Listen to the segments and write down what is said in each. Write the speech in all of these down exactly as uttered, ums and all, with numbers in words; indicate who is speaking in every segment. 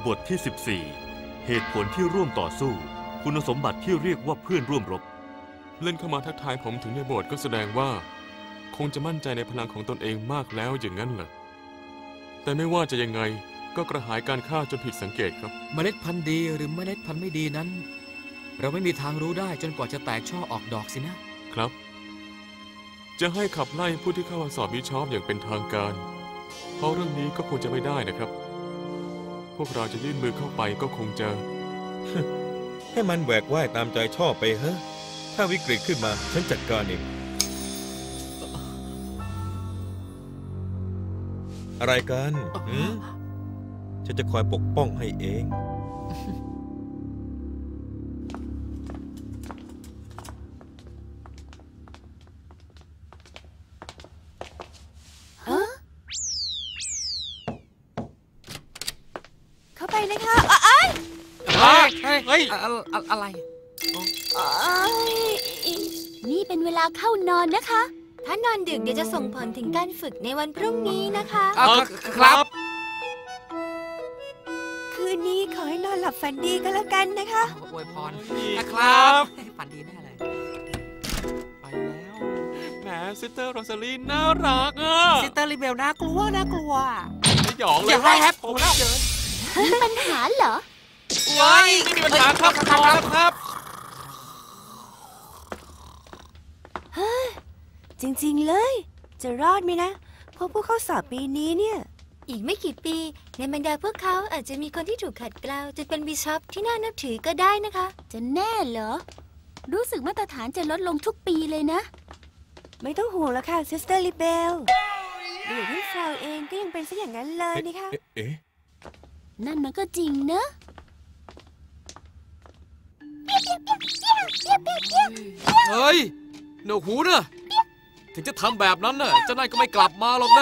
Speaker 1: บทที่สิบสี่เหตุผลที่ร่วมต่อสู้คุณสมบัติที่เรียกว่าเพื่อนร่วมรบ
Speaker 2: เล่นเข้ามาทักทายผมถึงในโบสถ์ก็แสดงว่าคงจะมั่นใจในพลังของตนเองมากแล้วอย่างนั้นเหรอแต่ไม่ว่าจะยังไงก็กระหายการฆ่าจนผิดสังเกตครับ
Speaker 3: เมล็ดพันธุ์ดีหรือเมล็ดพันธุ์ไม่ดีนั้น เราไม่มีทางรู้ได้จนกว่าจะแตกช่อออกดอกสินะครับ
Speaker 2: จะให้ขับไล่ผู้ที่เข้ามาสอบวิชอบอย่างเป็นทางการเพราะเรื่องนี้ก็คงจะไม่ได้นะครับพวกเราจะยื่นมือเข้าไปก็คงจะ
Speaker 4: ให้มันแหวกว่ายตามใจชอบไปเฮ้ถ้าวิกฤตขึ้นมาฉันจัดการเองอะไรกันฉันจะคอยปกป้องให้เอง
Speaker 5: เข้าไปนะคะเอ้ย
Speaker 3: เฮ้ยเฮ้ยอะไร
Speaker 5: นี่เป็นเวลาเข้านอนนะคะถ้านอนดึกเดี๋ยวจะส่งผลถึงการฝึกในวันพรุ่งนี้นะคะ
Speaker 3: ครับ
Speaker 5: คืนนี้ขอให้นอนหลับฝันดีก็แล้วกันนะคะ
Speaker 3: อวยพรครับฝันดีแน่เลย
Speaker 2: ไปแล้วแหมซิสเตอร์โรซาลีน่ารักอ่ะ
Speaker 3: ซิสเตอร์ลิเบลน่ากลัวน่ากลัว
Speaker 2: ไม่หยองเลย
Speaker 3: อย่าให้แฮปผมแล้ว
Speaker 5: มีปัญหาเหรอ
Speaker 2: ว้ายไม่มีปัญหาครับครับครับ
Speaker 5: จริงๆเลยจะรอดไหมนะเพราะพวกเขาสอบปีนี้เนี่ยอีกไม่กี่ปีในบรรดาพวกเขาอาจจะมีคนที่ถูกขัดเกลาจนเป็นบิชอปที่น่านับถือก็ได้นะคะจะแน่เหรอรู้สึกมาตรฐานจะลดลงทุกปีเลยนะไม่ต้องห่วงแล้วค่ะซิสเตอร์ลิเบลเดี๋ยวที่ฟราวเองก็ยังเป็นซะอย่างนั้นเลยนี่ค่ะ
Speaker 4: เอ๊ะ
Speaker 5: นั่นมันก็จริงเนอะ
Speaker 3: เฮ้ยหนวกหูเนอะถึงจะทำแบบนั้นน่ะเจ้านายก็ไม่กลับมาหรอกนะ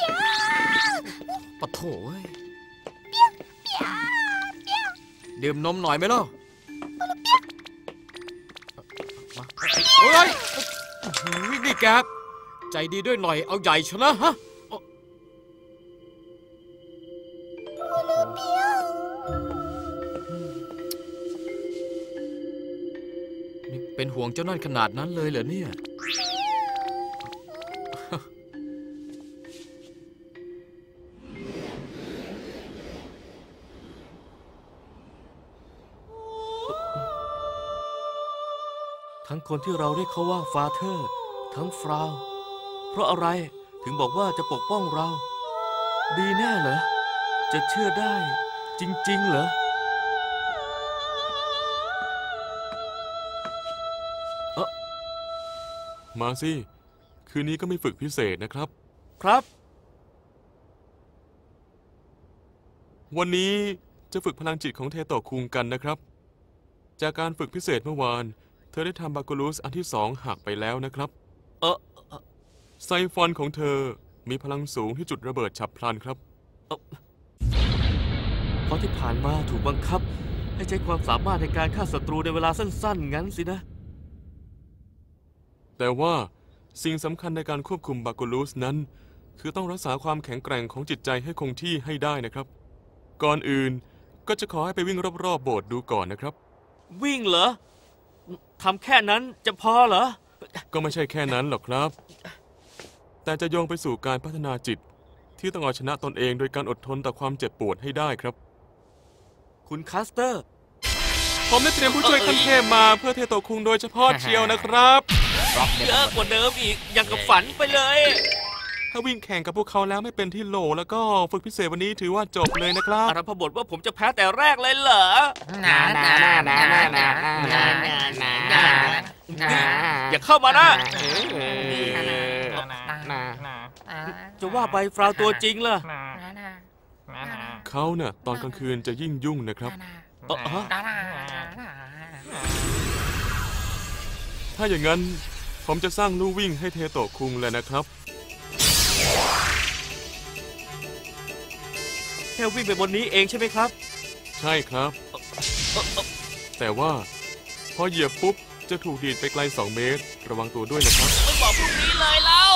Speaker 3: ปะโถดื่มนมหน่อยไหมล่ะเฮ้ยนี่แกใจดีด้วยหน่อยเอาใหญ่ชนะฮะนี่เป็นห่วงเจ้านั่นขนาดนั้นเลยเหรอเนี่ย
Speaker 1: ทั้งคนที่เราเรียกเขาว่าฟาเธอร์ทั้งฟราวเพราะอะไรถึงบอกว่าจะปกป้องเราดีแน่เหรอจะเชื่อได้จริงๆเหรอเออ
Speaker 2: มาสิคืนนี้ก็มีฝึกพิเศษนะครับ
Speaker 1: ครับ
Speaker 2: วันนี้จะฝึกพลังจิตของเทโตะคุงกันนะครับจากการฝึกพิเศษเมื่อวานเธอได้ทำบาคูลูสอันที่สองหักไปแล้วนะครับ
Speaker 1: เออ
Speaker 2: ไซฟอนของเธอมีพลังสูงที่จุดระเบิดฉับพลันครับ
Speaker 1: เออเพราะที่ผ่านมาถูกบังคับให้ใช้ความสามารถในการฆ่าศัตรูในเวลาสั้นๆงั้นสินะ
Speaker 2: แต่ว่าสิ่งสำคัญในการควบคุมบาคูลูสนั้นคือต้องรักษาความแข็งแกร่งของจิตใจให้คงที่ให้ได้นะครับก่อนอื่นก็จะขอให้ไปวิ่งรอบๆโบสถ์ดูก่อนนะครับ
Speaker 1: วิ่งเหรอทำแค่นั้นจะพอเหรอ
Speaker 2: ก็ไม่ใช่แค่นั้นหรอกครับแต่จะโยงไปสู่การพัฒนาจิตที่ต้องเอาชนะตนเองโดยการอดทนต่อความเจ็บปวดให้ได้ครับ
Speaker 1: คุณคัสเตอร์
Speaker 2: ผมได้เตรียมผู้ช่วยขั้นเทพมาเพื่อเทโตะคุงโดยเฉพาะเชียวนะครับ
Speaker 1: เยอะกว่าเดิมอีกอย่างกับฝันไปเลย
Speaker 2: ถ้าวิ่งแข่งกับพวกเขาแล้วไม่เป็นที่โหลแล้วก็ฝึกพิเศษวันนี้ถือว่าจบเลยนะครับ
Speaker 1: อารัมพบทว่าผมจะแพ้แต่แรกเลยเหรอนานานานานานานานาอย่าเข้ามานะจะว่าไปฟราวตัวจริงล่ะ
Speaker 2: เขาเนี่ยตอนกลางคืนจะยิ่งยุ่งนะครับถ้าอย่างนั้นผมจะสร้างลู่วิ่งให้เทโตะคุงเลยนะครับ
Speaker 1: แค่วิ่งไปบนนี้เองใช่ไหมครับ
Speaker 2: ใช่ครับแต่ว่าพอเหยียบปุ๊บจะถูกดีดไปไกลสองเมตรระวังตัวด้วยนะครับ
Speaker 1: ไม่บอกพรุ่งนี้เลยเล่า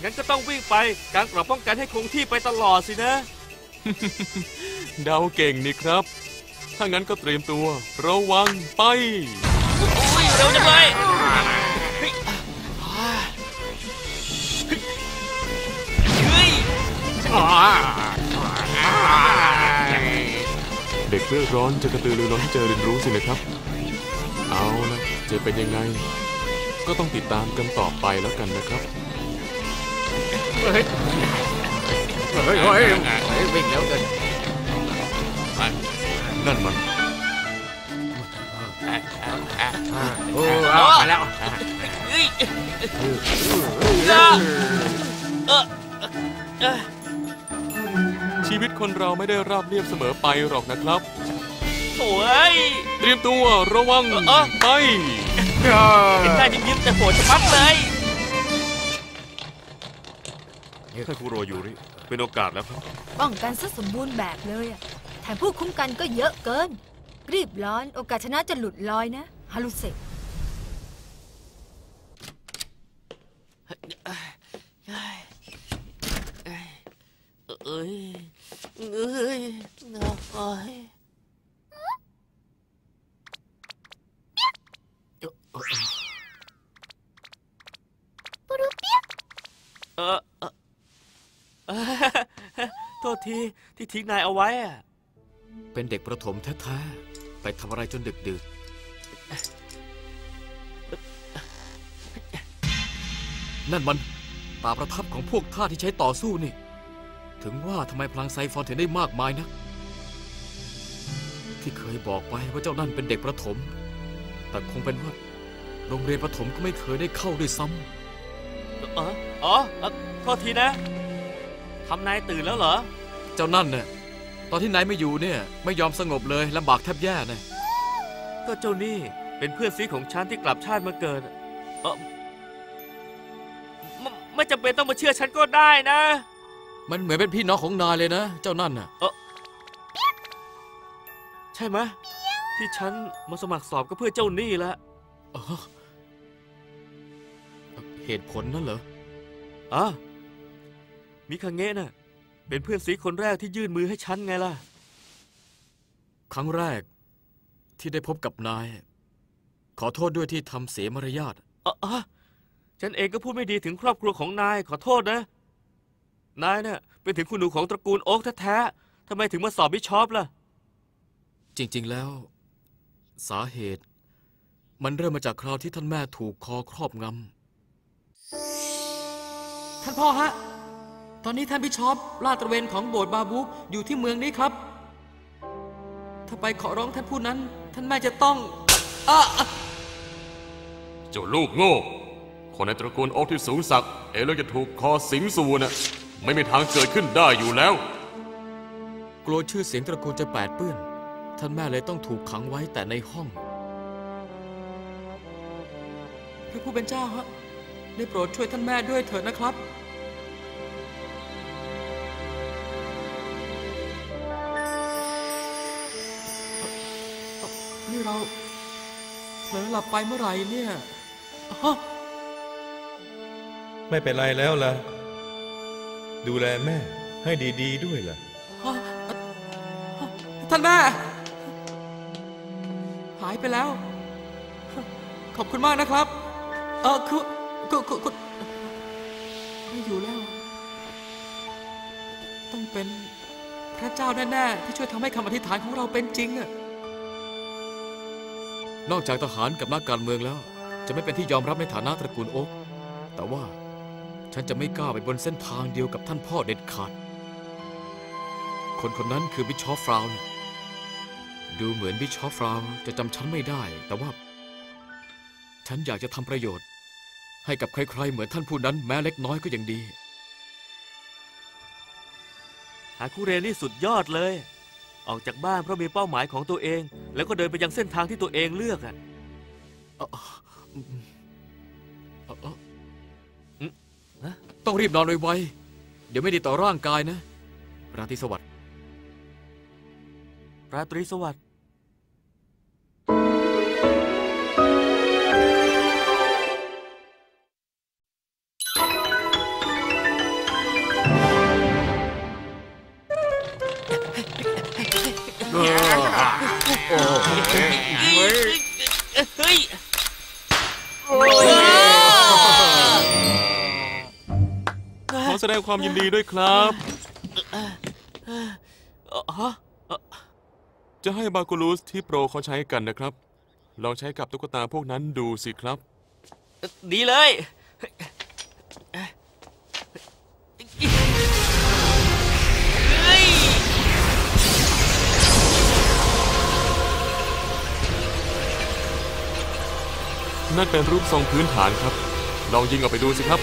Speaker 1: งั้นก็ต้องวิ่งไปการกรอบป้องกันให้คงที่ไปตลอดสินะ
Speaker 2: เดาเก่งนี่ครับ ถ้างั้นก็เตรียมตัวระวังไป
Speaker 1: โอ้ยเร็วจังเลยเฮ้ย
Speaker 2: เด็กเลือดร้อนจะกระตือรือร้นที่จะเรียนรู้สินะครับ เอาละจะเป็นยังไง ก็ต้องติดตามกันต่อไปแล้วกันนะครับ
Speaker 3: เฮ้ยเฮ้ยเฮ้ยวิ่งแล้วกัน
Speaker 1: นั่นมัน
Speaker 3: โอ้เอามาแล้ว
Speaker 1: เฮ้ยจ้าเออเออ
Speaker 2: ชีวิตคนเราไม่ได้ราบเรียบเสมอไปหรอกนะครับ
Speaker 1: โถ่ย
Speaker 2: เตรียมตัวระวัง
Speaker 1: เออ
Speaker 2: ไป
Speaker 1: เห็นหน้ายิ้มๆแต่โหดจะมัดเลยท่านคุโรยูริเป็นโอกาสแล้วครับ
Speaker 5: ป้องกันซะสมบูรณ์แบบเลยอะแถมผู้คุ้มกันก็เยอะเกิน รีบร้อนโอกาสชนะจะหลุดลอยนะฮารุเซะ
Speaker 1: เอ้ยเอ้ยโอ้ยเออเออเออโทษทีที่ทิ้งนายเอาไว้อะ
Speaker 3: เป็นเด็กประถมแท้ๆไปทำอะไรจนดึกดื่นนั่นมันตาประทับของพวกท่าที่ใช้ต่อสู้นี่ถึงว่าทำไมพลังไซฟอนถึงได้มากมายนักที่เคยบอกไปว่าเจ้านั่นเป็นเด็กประถมแต่คงเป็นว่าโรงเรียนประถมก็ไม่เคยได้เข้าด้วยซ้ำ
Speaker 1: เอออ๋อเอ่อโทษทีนะทำนายตื่นแล้วเหรอ
Speaker 3: เจ้านั่นเนี่ยตอนที่นายไม่อยู่เนี่ยไม่ยอมสงบเลยลำบากแทบแย่เลย
Speaker 1: ก็เจ้านี่เป็นเพื่อนซีของฉันที่กลับชาติมาเกิดเออไม่ไม่จำเป็นต้องมาเชื่อฉันก็ได้นะ
Speaker 3: มันเหมือนเป็นพี่น้องของนายเลยนะเจ้านั่นน่ะ
Speaker 1: ใช่ไหมที่ฉันมาสมัครสอบก็เพื่อเจ้านี่แหละ
Speaker 3: อ๋อเหตุผลนั่นเหรอ
Speaker 1: อ่ะมิคาเงะน่ะเป็นเพื่อนซีคนแรกที่ยื่นมือให้ฉันไงล่ะ
Speaker 3: ครั้งแรกที่ได้พบกับนายขอโทษด้วยที่ทำเสียมารยาท
Speaker 1: เอออะฉันเองก็พูดไม่ดีถึงครอบครัวของนายขอโทษนะ นายน่ะเป็นถึงคุณหนูของตระกูลโอ๊กแท้ๆทำไมถึงมาสอบบิชอปล่ะ
Speaker 3: จริง ๆแล้ว สาเหตุมันเริ่มมาจากคราวที่ท่านแม่ถูกคอครอบงำท่านพ่อฮะตอนนี้ท่านบิชอปลาดตระเวนของโบสถ์บาบุกอยู่ที่เมืองนี้ครับถ้าไปขอร้องท่านผู้นั้นท่านแม่จะต้องอ่ะ
Speaker 2: เจ้าลูกโง่คนในตระกูลโอ๊กที่สูงสักเอเลือจะถูกคอสิงสู่น่ะไม่มีทางเกิดขึ้นได้อยู่แล้ว
Speaker 3: กลัวชื่อเสียงตระกูลจะแปดเปื้อนท่านแม่เลยต้องถูกขังไว้แต่ในห้องพระผู้เป็นเจ้าฮะได้โปรดช่วยท่านแม่ด้วยเถิดนะครับนี่เราเผลอหลับไปเมื่อไหร่เนี่ยฮะ
Speaker 4: ไม่เป็นไรแล้วล่ะ ดูแลแม่ให้ดีๆด้วยล่ะ
Speaker 3: ฮะท่านแม่ หายไปแล้ว ขอบคุณมากนะครับ เออคือคือคือคือไม่อยู่แล้ว ต้องเป็นพระเจ้าแน่ๆที่ช่วยทำให้คำอธิษฐานของเราเป็นจริงอะนอกจากทหารกับนักการเมืองแล้ว จะไม่เป็นที่ยอมรับในฐานะตระกูลโอ๊กแต่ว่าฉันจะไม่กล้าไปบนเส้นทางเดียวกับท่านพ่อเด็ดขาด คนคนนั้นคือบิชอปฟราวน์ดูเหมือนบิชอปฟราวน์จะจำฉันไม่ได้ แต่ว่า ฉันอยากจะทำประโยชน์ ให้กับใครๆเหมือนท่านผู้นั้นแม้เล็กน้อยก็ยังดี
Speaker 1: หาคุเรนี่สุดยอดเลย ออกจากบ้านเพราะมีเป้าหมายของตัวเอง แล้วก็เดินไปยังเส้นทางที่ตัวเองเลือกอ่ะ
Speaker 3: ต้องรีบนอนไวๆเดี๋ยวไม่ดีต่อร่างกายนะ ราตรีสวัสดิ์
Speaker 1: ราตรีสวัสดิ์
Speaker 2: ดงความยินดีด้วยครับ
Speaker 1: เอ่อฮะ
Speaker 2: จะให้บาคูลูสที่โปรเขาใช้กันนะครับ ลองใช้กับตุ๊กตาพวกนั้นดูสิครับ
Speaker 1: ดีเลย
Speaker 2: นั่นเป็นรูปทรงพื้นฐานครับ ลองยิงออกไปดูสิครับ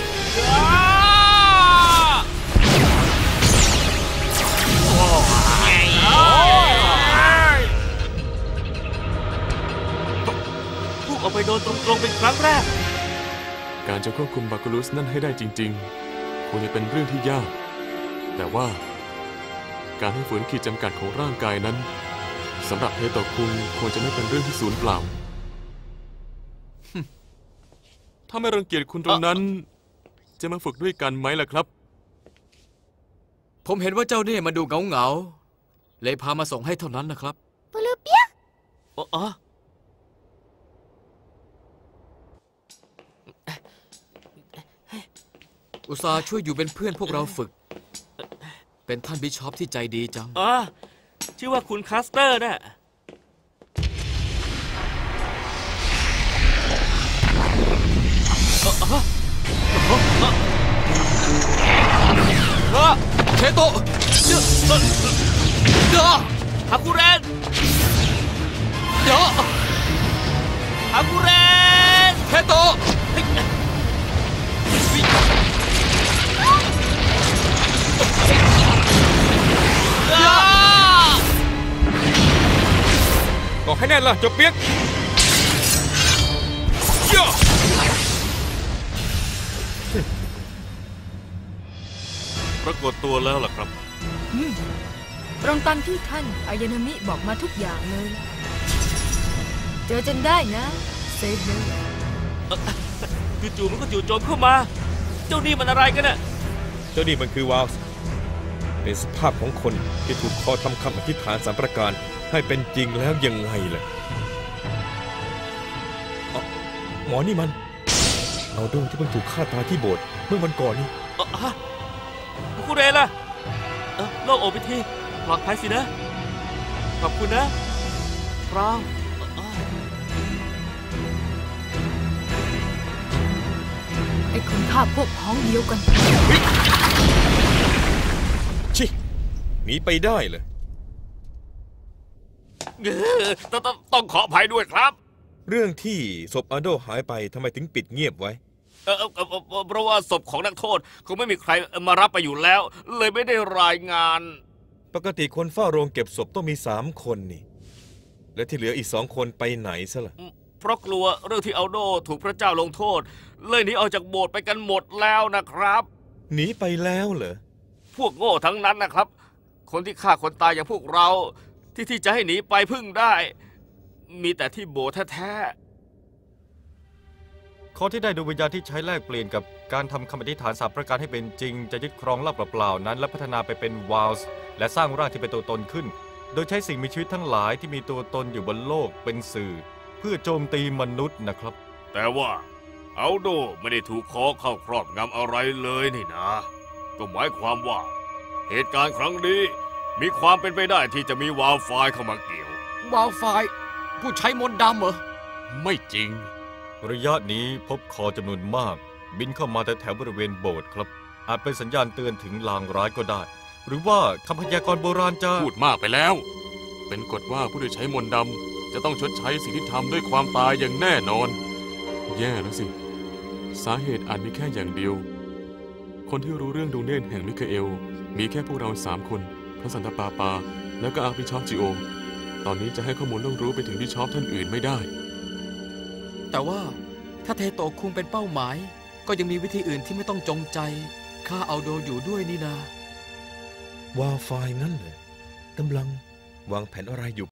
Speaker 1: พุ่งออกไปโดนตรงๆเป็นครั้งแรก
Speaker 2: การจะควบคุมบาคูลูสนั่นให้ได้จริงๆคงจะเป็นเรื่องที่ยาก แต่ว่า การให้ฝืนขีดจำกัดของร่างกายนั้นสำหรับเฮโตะคุงควรจะไม่เป็นเรื่องที่สูญเปล่า ถ้าไม่รังเกียจคุณตรงนั้น จะมาฝึกด้วยกันไหมล่ะครับ
Speaker 3: ผมเห็นว่าเจ้าเนี่ยมาดูเหงาเหงาๆเลยพามาส่งให้เท่านั้นนะครับ
Speaker 5: ปูลูเปียก
Speaker 1: อ๋อ
Speaker 3: อุตส่าห์ช่วยอยู่เป็นเพื่อนพวกเราฝึก เป็นท่านบิชอปที่ใจดีจัง
Speaker 1: อ๋อ ชื่อว่าคุณคัสเตอร์น่ะ
Speaker 3: เชโตะเดี๋ยว
Speaker 1: ฮากุเรน
Speaker 3: เดี๋ยว
Speaker 1: ฮากุเรน
Speaker 3: เชโตะ
Speaker 4: ก็ให้แน่นล่ะเจ้าเปียกย่า
Speaker 1: ปรากฏตัวแล้วล่ะครับ
Speaker 6: ตรงตามที่ท่านอายานามิบอกมาทุกอย่างเลย เจอจนได้นะเซฟเลย
Speaker 1: จู่ๆมันก็จู่โจมเข้ามา เจ้านี่มันอะไรกันน่ะ
Speaker 4: เจ้านี่มันคือวาลส์เป็นสภาพของคนที่ถูกคอทำคำอธิษฐานสามประการให้เป็นจริงแล้วยังไงล่ะอ๋อหมอนี่มันเอาโดที่เพิ่งถูกฆ่าตายที่โบสถ์เมื่อวันก่อนนี่
Speaker 1: เอ่อฮะฮากุเรนล่ะเออโล่งอกไปทีปลอดภัยสินะ ขอบคุณนะฟราวเอ่อ
Speaker 6: ไอ้คนฆ่าพวกพ้องเดียวกัน
Speaker 4: ชิหนีไปได้เลย
Speaker 1: เออต้องต้องต้องขออภัยด้วยครับ
Speaker 4: เรื่องที่ศพอาโดหายไปทำไมถึงปิดเงียบไว้
Speaker 1: เออเออเออเออเพราะว่าศพของนักโทษคงไม่มีใครมารับไปอยู่แล้ว เลยไม่ได้รายงาน
Speaker 4: ปกติคนเฝ้าโรงเก็บศพต้องมีสามคนนี่ และที่เหลืออีกสองคนไปไหนซะล่ะ
Speaker 1: เพราะกลัวเรื่องที่อัลโดถูกพระเจ้าลงโทษ เลยหนีออกจากโบสถ์ไปกันหมดแล้วนะครับ
Speaker 4: หนีไปแล้วเหรอ
Speaker 1: พวกโง่ทั้งนั้นนะครับ คนที่ฆ่าคนตายอย่างพวกเรา ที่ที่จะให้หนีไปพึ่งได้ มีแต่ที่โบสถ์แท้
Speaker 7: ข้อที่ได้ดวงวิญญาณที่ใช้แลกเปลี่ยนกับการทำคำอธิษฐานสามประการให้เป็นจริง จะยึดครองลาบเปล่าๆนั้น และพัฒนาไปเป็นวาลส์และสร้างร่างที่เป็นตัวตนขึ้น โดยใช้สิ่งมีชีวิตทั้งหลายที่มีตัวตนอยู่บนโลกเป็นสื่อ เพื่อโจมตีมนุษย์นะครับ
Speaker 1: ๆแต่ว่าอัลโดไม่ได้ถูกคอเข้าครอบงำอะไรเลยนี่นะ ก็หมายความว่า เหตุการณ์ครั้งนี้มีความเป็นไปได้ที่จะมีวาลไฟล์เข้ามาเกี่ยว
Speaker 3: วาวไฟผู้ใช้มนต์ดำเหรอ
Speaker 1: ไม่จริง
Speaker 7: ระยะนี้พบคอจำนวนมาก บินเข้ามาแต่แถวบริเวณโบสถ์ครับ อาจเป็นสัญญาณเตือนถึงลางร้ายก็ได้ หรือว่าคำพยากรณ์โบราณจะ
Speaker 2: พูดมากไปแล้ว เป็นกฎว่าผู้ที่ใช้มนต์ดำจะต้องชดใช้สิ่งที่ทำด้วยความตายอย่างแน่นอน แย่แล้วสิ สาเหตุอาจมีแค่อย่างเดียว คนที่รู้เรื่องดวงเนตรแห่งมิคาเอล มีแค่พวกเราสามคน พระสันตะปาปา แล้วก็อาร์บิชอปจิโอ ตอนนี้จะให้ข้อมูลต้องรู้ไปถึงบิชอปท่านอื่นไม่ได้
Speaker 3: แต่ว่าถ้าเทโตะคุงเป็นเป้าหมาย ก็ยังมีวิธีอื่นที่ไม่ต้องจงใจฆ่าเอาโดอยู่ด้วยนี่นา
Speaker 4: วาไฟล์นั่นเลยกำลังวางแผนอะไรอยู่